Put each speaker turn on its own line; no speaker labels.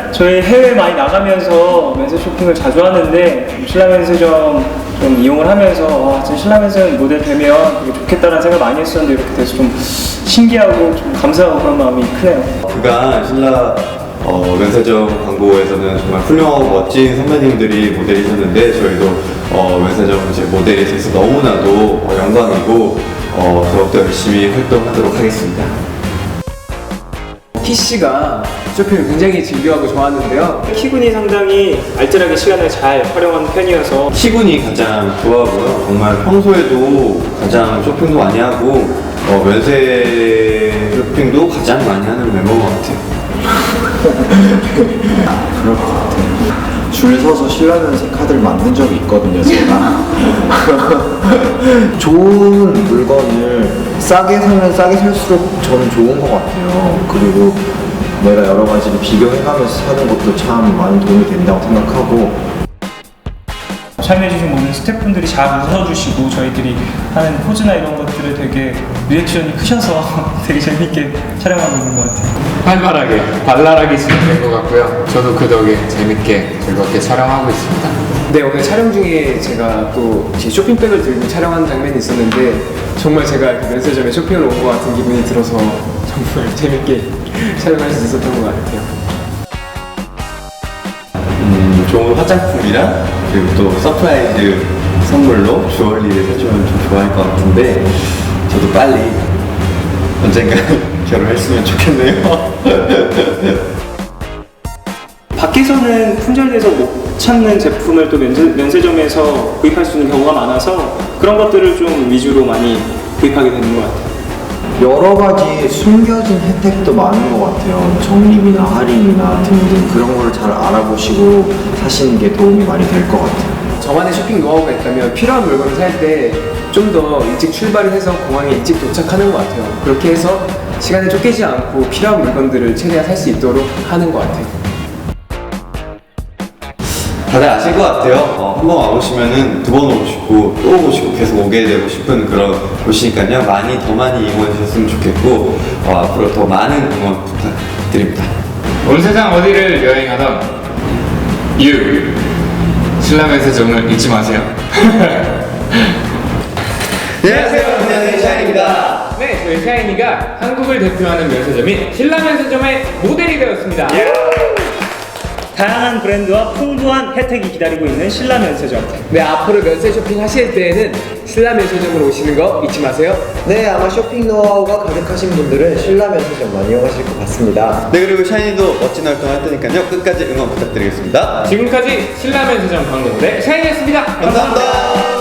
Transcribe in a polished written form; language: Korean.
저희 해외 많이 나가면서 면세 쇼핑을 자주 하는데 신라 면세점 좀 이용을 하면서 와, 진짜 신라 면세점 모델 되면 되게 좋겠다라는 생각 많이 했었는데 이렇게 돼서 좀 신기하고 좀 감사하고 그런 마음이 크네요.
그간 신라 면세점 광고에서는 정말 훌륭하고 멋진 선배님들이 모델이셨는데 저희도 면세점 이제 모델이 돼서 너무나도 영광이고 더욱더 열심히 활동하도록 하겠습니다.
PC가 쇼핑을 굉장히 즐겨하고 좋아하는데요.
키군이 상당히 알뜰하게 시간을 잘 활용하는 편이어서
키군이 가장 좋아하고요. 정말 평소에도 가장 쇼핑도 많이 하고 면세 쇼핑도 가장 많이 하는 멤버인 것 같아요.
그럴 것 같아요. 줄 서서 신라 면세 카드를 만든 적이 있거든요, 제가. 좋은 물건을 싸게 사면 싸게 살수록 저는 좋은 것 같아요. 그리고 내가 여러 가지를 비교해가면서 사는 것도 참 많은 도움이 된다고 생각하고.
참여해주신 모든 스태프분들이 잘 웃어주시고 저희들이 하는 포즈나 이런 것들을 되게 리액션이 크셔서 되게 재밌게 촬영하고 있는 것 같아요.
활발하게, 발랄하게 진행된 것 같고요. 저도 그 덕에 재밌게 즐겁게 촬영하고 있습니다.
네, 오늘 촬영 중에 제가 또 제 쇼핑백을 들고 촬영하는 장면이 있었는데 정말 제가 이렇게 면세점에 쇼핑을 온 것 같은 기분이 들어서 정말 재밌게 촬영할 수 있었던 것 같아요.
좋은 화장품이랑 그리고 또 서프라이즈 선물로 주얼리를 사주면 좀 좋아할 것 같은데 저도 빨리 언젠가 결혼했으면 좋겠네요.
밖에서는 품절돼서 못 찾는 제품을 또 면세점에서 구입할 수 있는 경우가 많아서 그런 것들을 좀 위주로 많이 구입하게 되는 것 같아요.
여러 가지 숨겨진 혜택도 많은 것 같아요. 적립이나 할인이나 등등 그런 걸 잘 알아보시고 사시는 게 도움이 많이 될 것 같아요.
저만의 쇼핑 노하우가 있다면 필요한 물건을 살 때 좀 더 일찍 출발을 해서 공항에 일찍 도착하는 것 같아요. 그렇게 해서 시간에 쫓기지 않고 필요한 물건들을 최대한 살 수 있도록 하는 것 같아요.
다들 아실 것 같아요. 한번 와보시면은 두 번 오고 싶고 또 오고 싶고 계속 오게 되고 싶은 그런 곳이니까요. 더 많이 이용해 주셨으면 좋겠고 앞으로 더 많은 응원 부탁드립니다.
온 세상 어디를 여행하던 신라 면세점을 잊지 마세요.
안녕하세요. 안녕하세요. 샤인입니다.
네, 저희 샤이니가 한국을 대표하는 면세점인 신라 면세점의 모델이 되었습니다.
다양한 브랜드와 풍부한 혜택이 기다리고 있는 신라 면세점.
네, 앞으로 면세 쇼핑 하실 때에는 신라 면세점으로 오시는 거 잊지 마세요.
네, 아마 쇼핑 노하우가 가득하신 분들은 신라 면세점만 이용하실 것 같습니다.
네, 그리고 샤이니도 멋진 활동 할 테니까요. 끝까지 응원 부탁드리겠습니다.
지금까지 신라 면세점 광고 모델 샤이니였습니다.
감사합니다.